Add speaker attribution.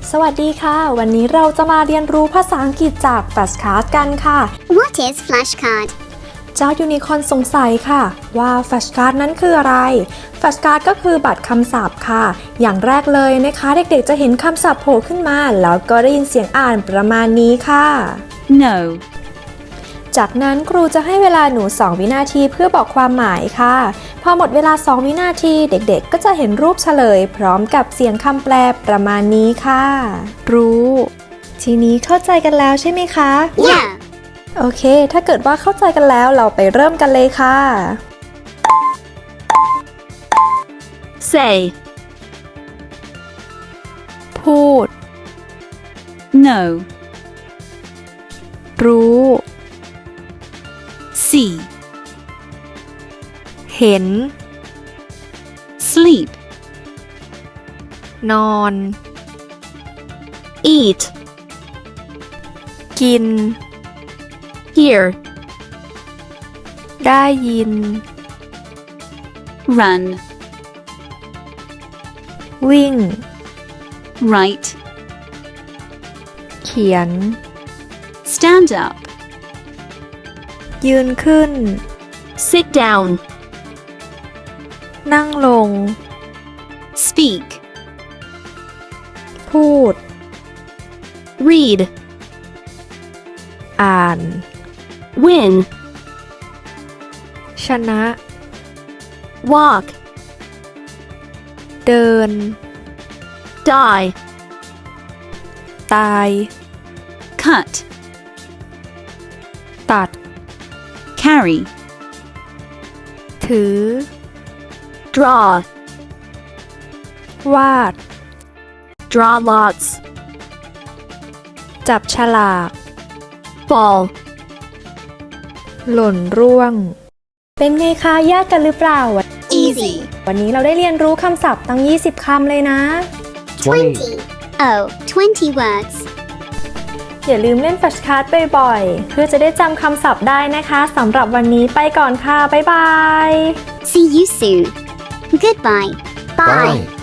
Speaker 1: สวัสดีค่ะ วันนี้เราจะมาเรียนรู้ภาษาอังกฤษจาก Flashcard กันค่ะ
Speaker 2: What is flashcard?
Speaker 1: เจ้ายูนิคอร์นสงสัยค่ะว่า Flashcard นั้นคืออะไร Flashcard ก็คือบัตรคำศัพท์ค่ะ อย่างแรกเลยนะคะเด็กๆจะเห็นคำศัพท์โผล่ขึ้นมาแล้วก็ได้ยินเสียงอ่านประมาณนี้ค่ะ
Speaker 3: No,
Speaker 1: จากนั้นครูจะให้เวลาหนู 2 วินาทีเพื่อบอกความหมายค่ะ พอหมดเวลา 2 วินาทีเด็กๆก็จะเห็นรูปเฉลย พร้อมกับเสียงคำแปลประมาณนี้ค่ะ รู้ ทีนี้เข้าใจกันแล้วใช่ไหมคะ
Speaker 2: Yeah.
Speaker 1: โอเค ถ้าเกิดว่าเข้าใจกันแล้วเราไปเริ่มกันเลยค่ะ
Speaker 3: say,
Speaker 1: พูด
Speaker 3: no,
Speaker 1: รู้
Speaker 3: see,
Speaker 1: เห็น
Speaker 3: sleep,
Speaker 1: นอน
Speaker 3: eat,
Speaker 1: กิน
Speaker 3: hear,
Speaker 1: ได้ยิน
Speaker 3: run,
Speaker 1: วิ่ง
Speaker 3: write,
Speaker 1: เขียน
Speaker 3: stand up,
Speaker 1: ยืนขึ้น
Speaker 3: sit down,
Speaker 1: นั่งลง
Speaker 3: speak,
Speaker 1: พูด
Speaker 3: read,
Speaker 1: อ่าน
Speaker 3: win,
Speaker 1: ชนะ
Speaker 3: walk,
Speaker 1: เดิน
Speaker 3: die,
Speaker 1: ตาย
Speaker 3: cut,
Speaker 1: ตัด
Speaker 3: carry,
Speaker 1: ถือ
Speaker 3: draw,
Speaker 1: วาด
Speaker 3: draw lots,
Speaker 1: จับฉลาก
Speaker 3: fall,
Speaker 1: หล่นร่วง เป็นไงคะยากกันหรือเปล่า
Speaker 2: Easy.
Speaker 1: วันนี้เราได้เรียนรู้คำศัพท์ตั้ง 20 คำเลยนะ
Speaker 2: 20. Oh, 20 words.
Speaker 1: อย่าลืมเล่นแฟลชการ์ดบ่อยๆ เพื่อจะได้จำคำศัพท์ได้นะคะสำหรับวันนี้ไปก่อนค่ะ บ๊ายบาย
Speaker 2: See you soon. Goodbye. Bye.
Speaker 4: Bye.